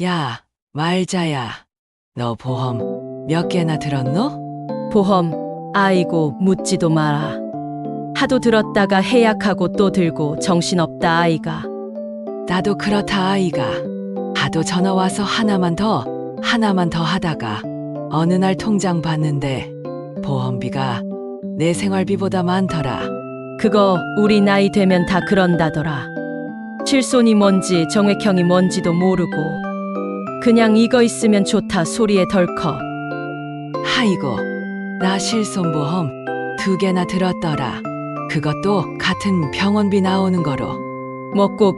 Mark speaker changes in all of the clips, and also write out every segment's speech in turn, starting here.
Speaker 1: 야, 말자야. 너 보험 몇 개나 들었노?
Speaker 2: 보험, 아이고 묻지도 마라. 하도 들었다가 해약하고 또 들고 정신없다 아이가.
Speaker 1: 나도 그렇다 아이가. 하도 전화 와서 하나만 더 하다가 어느 날 통장 봤는데 보험비가 내 생활비보다 많더라.
Speaker 2: 그거 우리 나이 되면 다 그런다더라. 실손이 뭔지 정액형이 뭔지도 모르고 그냥 이거 있으면 좋다 소리에 덜컥.
Speaker 1: 아이고, 나 실손보험 2개나 들었더라. 그것도 같은 병원비 나오는 거로.
Speaker 2: 먹고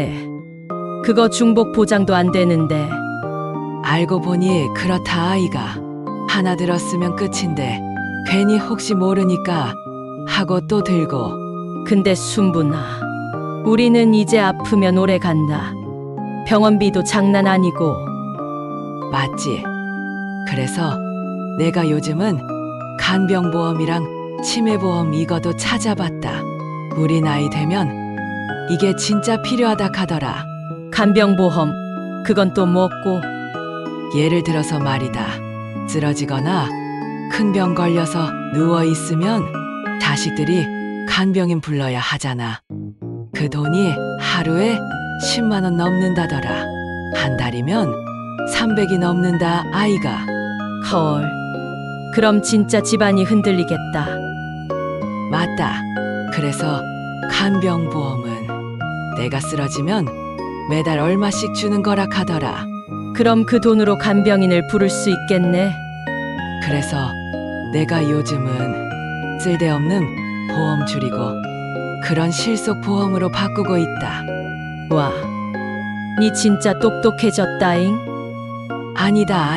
Speaker 2: 그거 중복 보장도 안 되는데.
Speaker 1: 알고 보니 그렇다 아이가. 하나 들었으면 끝인데 괜히 혹시 모르니까 하고 또 들고.
Speaker 2: 근데 순분아, 우리는 이제 아프면 오래 간다. 병원비도 장난 아니고.
Speaker 1: 맞지? 그래서 내가 요즘은 간병보험이랑 치매보험 이거도 찾아봤다. 우리 나이 되면 이게 진짜 필요하다 카더라.
Speaker 2: 간병보험, 그건 또 뭐고?
Speaker 1: 예를 들어서 말이다. 쓰러지거나 큰 병 걸려서 누워 있으면 자식들이 간병인 불러야 하잖아. 그 돈이 하루에 10만 원 넘는다더라. 한 달이면 300이 넘는다 아이가.
Speaker 2: 헐, 그럼 진짜 집안이 흔들리겠다.
Speaker 1: 맞다. 그래서 간병보험은 내가 쓰러지면 매달 얼마씩 주는 거라 카더라.
Speaker 2: 그럼 그 돈으로 간병인을 부를 수 있겠네.
Speaker 1: 그래서 내가 요즘은 쓸데없는 보험 줄이고 그런 실속 보험으로 바꾸고 있다.
Speaker 2: 와, 니 진짜 똑똑해졌다잉.
Speaker 1: 아니다.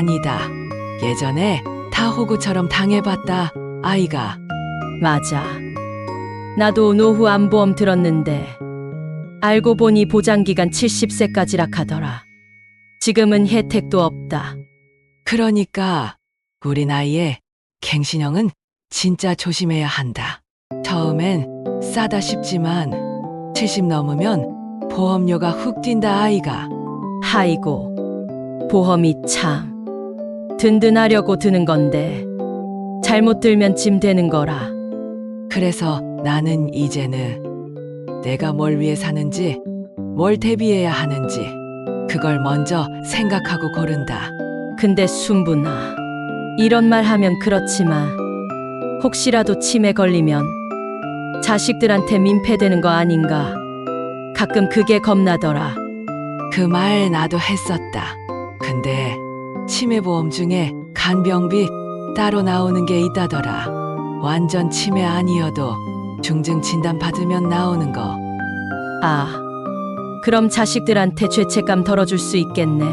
Speaker 1: 예전에 타호구처럼 당해봤다 아이가.
Speaker 2: 맞아. 나도 노후 안보험 들었는데 알고 보니 보장기간 70세까지라 하더라. 지금은 혜택도 없다.
Speaker 1: 그러니까 우리 나이에 갱신형은 진짜 조심해야 한다. 처음엔 싸다 싶지만 70 넘으면 보험료가 훅 뛴다 아이가.
Speaker 2: 하이고, 보험이 참 든든하려고 드는 건데 잘못 들면 짐 되는 거라.
Speaker 1: 그래서 나는 이제는 내가 뭘 위해 사는지, 뭘 대비해야 하는지 그걸 먼저 생각하고 고른다.
Speaker 2: 근데 순분아, 이런 말 하면 그렇지만 혹시라도 치매 걸리면 자식들한테 민폐되는 거 아닌가? 가끔 그게 겁나더라.
Speaker 1: 그 말 나도 했었다. 근데 치매보험 중에 간병비 따로 나오는 게 있다더라. 완전 치매 아니어도 중증 진단 받으면 나오는 거.
Speaker 2: 아, 그럼 자식들한테 죄책감 덜어줄 수 있겠네.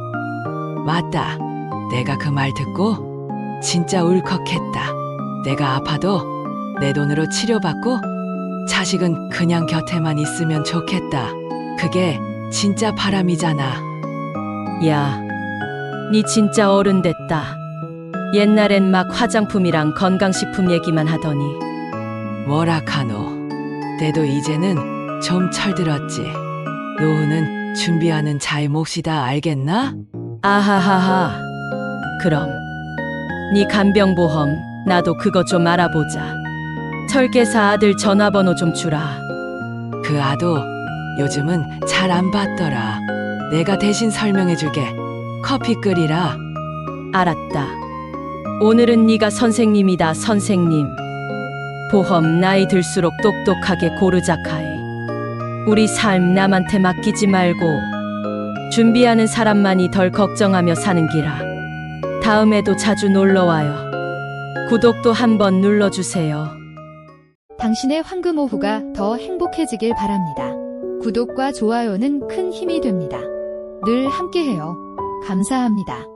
Speaker 1: 맞다. 내가 그 말 듣고 진짜 울컥했다. 내가 아파도 내 돈으로 치료받고 자식은 그냥 곁에만 있으면 좋겠다. 그게 진짜 바람이잖아.
Speaker 2: 야, 니 진짜 어른 됐다. 옛날엔 막 화장품이랑 건강식품 얘기만 하더니.
Speaker 1: 뭐라카노. 때도 이제는 좀 철들었지. 노후는 준비하는 자의 몫이다 알겠나?
Speaker 2: 아하하하. 그럼 니 간병보험 나도 그거 좀 알아보자. 설계사 아들 전화번호 좀 주라.
Speaker 1: 그 아도 요즘은 잘 안 받더라. 내가 대신 설명해 줄게. 커피 끓이라.
Speaker 2: 알았다. 오늘은 네가 선생님이다 선생님. 보험 나이 들수록 똑똑하게 고르자카이. 우리 삶 남한테 맡기지 말고 준비하는 사람만이 덜 걱정하며 사는 기라. 다음에도 자주 놀러와요. 구독도 한번 눌러주세요.
Speaker 3: 당신의 황금 오후가 더 행복해지길 바랍니다. 구독과 좋아요는 큰 힘이 됩니다. 늘 함께해요. 감사합니다.